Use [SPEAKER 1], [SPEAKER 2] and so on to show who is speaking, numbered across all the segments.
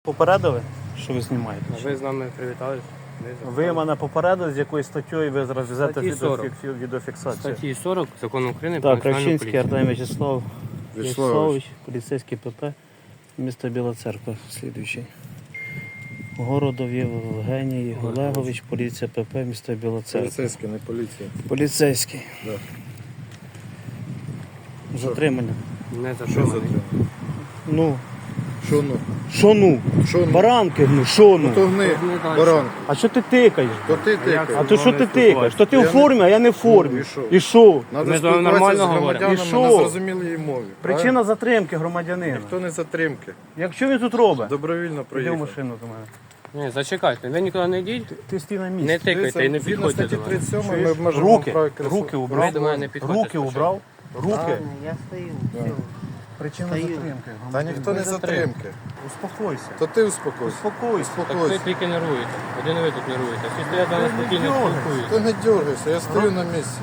[SPEAKER 1] Попередили, що ви знімаєте?
[SPEAKER 2] Ви з нами привітались.
[SPEAKER 1] Ви мене попередили, з якою статтею ви зараз везете
[SPEAKER 2] Статті 40.
[SPEAKER 1] відеофіксацію.
[SPEAKER 2] Статті 40 Закону України про
[SPEAKER 1] Так,
[SPEAKER 2] національну
[SPEAKER 1] Кравчинський
[SPEAKER 2] поліцію.
[SPEAKER 1] Артем Вячеславович, поліцейський ПП, місто Біла Церква, слідуючий. Городов Євгеній Олегович, поліція ПП, місто Біла Церква.
[SPEAKER 3] Поліцейський, не поліція.
[SPEAKER 1] Поліцейський.
[SPEAKER 3] Да.
[SPEAKER 1] Затримання.
[SPEAKER 2] Не
[SPEAKER 3] Що
[SPEAKER 2] затриманий.
[SPEAKER 3] затримано?
[SPEAKER 1] Ну,
[SPEAKER 3] Що ну?
[SPEAKER 1] що ну?
[SPEAKER 3] Що ну?
[SPEAKER 1] Баранки, ну, що
[SPEAKER 3] Ну то
[SPEAKER 1] ну?
[SPEAKER 3] гни,
[SPEAKER 2] Гни дальше.
[SPEAKER 3] баран.
[SPEAKER 1] А що ти тикаєш?
[SPEAKER 3] То ти
[SPEAKER 1] А
[SPEAKER 3] тикаєш.
[SPEAKER 1] то що ти тикаєш? То ти
[SPEAKER 3] Я
[SPEAKER 1] у формі, а я не в формі.
[SPEAKER 3] Ну, і що?
[SPEAKER 1] І що?
[SPEAKER 3] Надо
[SPEAKER 2] Ми з вами
[SPEAKER 3] спілкуватися
[SPEAKER 2] нормально
[SPEAKER 3] з
[SPEAKER 2] говоримо.
[SPEAKER 3] громадянами
[SPEAKER 1] І що?
[SPEAKER 3] на зрозумілій мові.
[SPEAKER 1] Причина затримки громадянина.
[SPEAKER 3] Ніхто не затримки.
[SPEAKER 1] Якщо він тут робить?
[SPEAKER 3] Добровільно
[SPEAKER 1] Іди в
[SPEAKER 3] проїхав.
[SPEAKER 1] машину до мене.
[SPEAKER 2] Ні, зачекайте, ви нікуди не йдіть,
[SPEAKER 1] Ти стій на
[SPEAKER 2] не
[SPEAKER 1] місці.
[SPEAKER 2] тикайте і не
[SPEAKER 3] Згідно
[SPEAKER 2] підходьте
[SPEAKER 3] статті
[SPEAKER 2] до мене.
[SPEAKER 3] 37 ми
[SPEAKER 1] Чуєш?
[SPEAKER 3] обмежуємо
[SPEAKER 1] Руки,
[SPEAKER 3] право
[SPEAKER 1] руки
[SPEAKER 2] Ви
[SPEAKER 1] убрав.
[SPEAKER 2] до мене не підходьте
[SPEAKER 1] Руки
[SPEAKER 2] спочатку.
[SPEAKER 1] убрав. Руки.
[SPEAKER 4] Я стою,
[SPEAKER 3] Да.
[SPEAKER 4] все.
[SPEAKER 1] Причина
[SPEAKER 4] Стою.
[SPEAKER 1] затримки.
[SPEAKER 3] Та ніхто не затримки.
[SPEAKER 1] Успокойся.
[SPEAKER 3] То ти успокойся.
[SPEAKER 1] Успокойся.
[SPEAKER 2] Так ви
[SPEAKER 3] Успокойся.
[SPEAKER 2] тільки нервуєте. Один ви тут нервуєте. Всі стоять до нас
[SPEAKER 1] Ти не
[SPEAKER 2] спокійно
[SPEAKER 1] дергайся.
[SPEAKER 2] спілкуються.
[SPEAKER 3] Ти не дергайся, я стою на місці.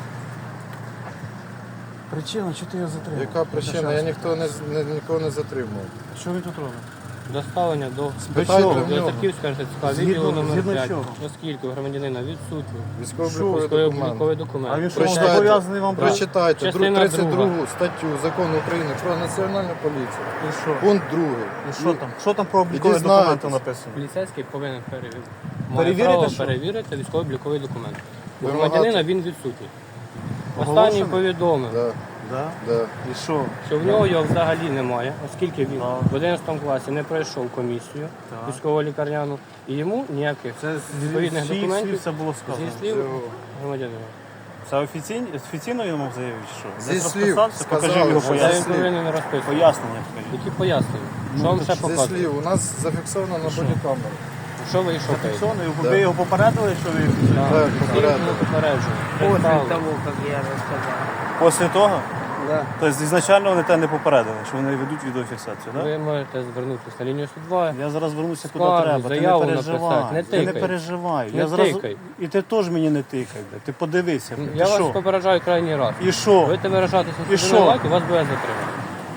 [SPEAKER 1] Причина, що ти його затримав?
[SPEAKER 3] Яка причина? Я нікого не затримував.
[SPEAKER 1] Що він тут робить?
[SPEAKER 2] Доставлення до
[SPEAKER 3] Спитайте
[SPEAKER 1] чого?
[SPEAKER 3] в
[SPEAKER 2] до
[SPEAKER 3] нього.
[SPEAKER 2] Тарківського РТЦК,
[SPEAKER 1] Згідно-
[SPEAKER 2] відділу номер
[SPEAKER 1] згідно
[SPEAKER 2] 5,
[SPEAKER 1] чого?
[SPEAKER 2] оскільки у громадянина відсутні
[SPEAKER 3] Військово-обліковий документ.
[SPEAKER 2] військово-обліковий
[SPEAKER 1] А
[SPEAKER 2] документ.
[SPEAKER 1] він що,
[SPEAKER 3] Прочитайте,
[SPEAKER 1] зобов'язаний вам брати?
[SPEAKER 3] прочитайте
[SPEAKER 2] Частина
[SPEAKER 3] 32
[SPEAKER 2] друга.
[SPEAKER 3] статтю Закону України про національну поліцію.
[SPEAKER 1] І що?
[SPEAKER 3] Пункт 2.
[SPEAKER 1] І що там? Що там про облікові
[SPEAKER 3] дізнаєтесь.
[SPEAKER 1] документи написано?
[SPEAKER 2] Поліцейський повинен має
[SPEAKER 1] Перевірити
[SPEAKER 2] право
[SPEAKER 1] що?
[SPEAKER 2] перевірити військово-обліковий документ. У
[SPEAKER 3] Вимагати.
[SPEAKER 2] громадянина він відсутній.
[SPEAKER 1] Оголошений?
[SPEAKER 2] Останній повідомив,
[SPEAKER 3] Да,
[SPEAKER 1] Да?
[SPEAKER 3] да.
[SPEAKER 1] І що?
[SPEAKER 2] що в нього його взагалі немає, оскільки він
[SPEAKER 1] Так.
[SPEAKER 2] в 11 класі не пройшов комісію
[SPEAKER 1] Так.
[SPEAKER 2] військово-лікарняну, і йому ніяких відповідних
[SPEAKER 1] Всіх
[SPEAKER 2] документів
[SPEAKER 1] слів це було
[SPEAKER 2] зі
[SPEAKER 1] сказано.
[SPEAKER 2] слів громадянина.
[SPEAKER 1] Це офіційно йому заявив, чи що?
[SPEAKER 3] Зі
[SPEAKER 1] Десь
[SPEAKER 3] слів
[SPEAKER 1] розписався? Покажи
[SPEAKER 3] сказали,
[SPEAKER 1] його
[SPEAKER 3] що
[SPEAKER 2] Та він
[SPEAKER 1] пояснення.
[SPEAKER 3] слів.
[SPEAKER 2] повинен розписувати.
[SPEAKER 1] Пояснення покажи.
[SPEAKER 2] Які пояснення? Що вам ще
[SPEAKER 3] Зі
[SPEAKER 2] показує?
[SPEAKER 3] слів, у нас зафіксовано на бодікамері.
[SPEAKER 2] Що ви і шукаєте?
[SPEAKER 1] Зафіксовано,
[SPEAKER 3] Да.
[SPEAKER 1] ви його попередили, що ви
[SPEAKER 3] Так,
[SPEAKER 2] Попереджую. Попереджую.
[SPEAKER 4] После
[SPEAKER 2] Представили.
[SPEAKER 4] того, как я рассказал.
[SPEAKER 1] Після того?
[SPEAKER 4] Да.
[SPEAKER 1] Тобто ізначально вони тебе не попередили, що вони ведуть відеофіксацію, так?
[SPEAKER 2] Ви можете звернутися на лінію 102.
[SPEAKER 1] Я зараз вернуся куди
[SPEAKER 2] Скаргу,
[SPEAKER 1] треба, ти не
[SPEAKER 2] заяву
[SPEAKER 1] переживай.
[SPEAKER 2] написати, не
[SPEAKER 1] Ти не
[SPEAKER 2] тикай.
[SPEAKER 1] переживай.
[SPEAKER 2] Не
[SPEAKER 1] Я зараз...
[SPEAKER 2] тикай.
[SPEAKER 1] І ти теж мені не тикай, бля. Ти подивися. Ти
[SPEAKER 2] Я вас
[SPEAKER 1] що?
[SPEAKER 2] попереджаю крайній раз.
[SPEAKER 1] І що?
[SPEAKER 2] Будете виражатися
[SPEAKER 1] І
[SPEAKER 2] цензурною
[SPEAKER 1] що?
[SPEAKER 2] лайкою, вас буде затримано.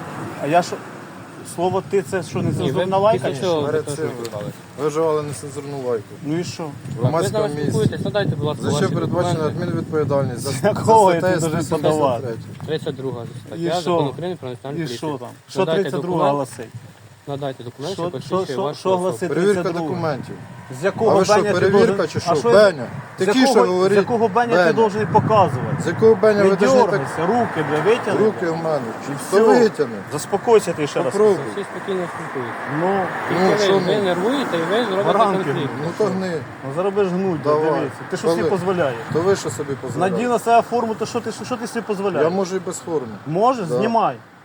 [SPEAKER 1] А я що? Слово ти це що, не
[SPEAKER 2] Ні, ви
[SPEAKER 1] цензурна лайка?
[SPEAKER 2] після цього
[SPEAKER 3] Перед
[SPEAKER 2] ви
[SPEAKER 3] цим
[SPEAKER 2] спілкувалися.
[SPEAKER 3] ви вживали нецензурну лайку.
[SPEAKER 1] Ну і що?
[SPEAKER 2] Так, ви з
[SPEAKER 3] Громадському
[SPEAKER 2] нами
[SPEAKER 3] місці.
[SPEAKER 2] спілкуєтесь, надайте, будь ласка,
[SPEAKER 3] За що
[SPEAKER 2] ваші
[SPEAKER 3] передбачена
[SPEAKER 2] документи.
[SPEAKER 3] адмінвідповідальність? За
[SPEAKER 1] якого я
[SPEAKER 3] статтею
[SPEAKER 1] тут должен
[SPEAKER 3] 173.
[SPEAKER 1] подавати?
[SPEAKER 2] 32
[SPEAKER 1] І
[SPEAKER 2] стаття
[SPEAKER 1] що?
[SPEAKER 2] Закону України про національну
[SPEAKER 1] І
[SPEAKER 2] поліцію.
[SPEAKER 1] що там? Що
[SPEAKER 2] Надайте
[SPEAKER 1] 32
[SPEAKER 2] документ,
[SPEAKER 1] гласить?
[SPEAKER 2] Надайте документ, що
[SPEAKER 1] Що
[SPEAKER 2] посвідчує вашу
[SPEAKER 1] що
[SPEAKER 2] особу.
[SPEAKER 1] гласить
[SPEAKER 3] Перевірка
[SPEAKER 1] 32?
[SPEAKER 3] документів.
[SPEAKER 1] З
[SPEAKER 3] А
[SPEAKER 1] якого
[SPEAKER 3] ви що,
[SPEAKER 1] Беня ти
[SPEAKER 3] перевірка
[SPEAKER 1] должен-
[SPEAKER 3] чи
[SPEAKER 1] А
[SPEAKER 3] що?
[SPEAKER 1] я-
[SPEAKER 3] Беня?
[SPEAKER 1] З
[SPEAKER 3] Тихіше
[SPEAKER 1] якого-
[SPEAKER 3] говоріть.
[SPEAKER 1] З якого Беня ти
[SPEAKER 3] Беня.
[SPEAKER 1] должен показувати?
[SPEAKER 3] З якого Беня
[SPEAKER 1] Не
[SPEAKER 3] ви должны так
[SPEAKER 1] дергайся, руки, бля, витягни.
[SPEAKER 3] руки в мене?
[SPEAKER 1] І
[SPEAKER 3] То
[SPEAKER 1] все.
[SPEAKER 3] витягни.
[SPEAKER 1] Заспокойся ти ще раз.
[SPEAKER 3] Попробуй.
[SPEAKER 2] Всі спокійно спілкуються.
[SPEAKER 1] Ну,
[SPEAKER 2] Тільки
[SPEAKER 3] що
[SPEAKER 2] ви
[SPEAKER 3] ми?
[SPEAKER 2] нервуєте і ви зробите
[SPEAKER 1] Баранки.
[SPEAKER 2] конфлікт.
[SPEAKER 3] Ну то гни.
[SPEAKER 1] ну зараз будеш гнуть, бля,
[SPEAKER 3] Давай.
[SPEAKER 1] дивися. Ти що
[SPEAKER 3] Коли?
[SPEAKER 1] собі дозволяєш?
[SPEAKER 3] То ви що собі
[SPEAKER 1] Надій
[SPEAKER 3] дозволяєте?
[SPEAKER 1] на себе форму, то що ти собі дозволяєш?
[SPEAKER 3] Я можу і без форми.
[SPEAKER 1] Можеш?
[SPEAKER 3] Да.
[SPEAKER 1] Знімай.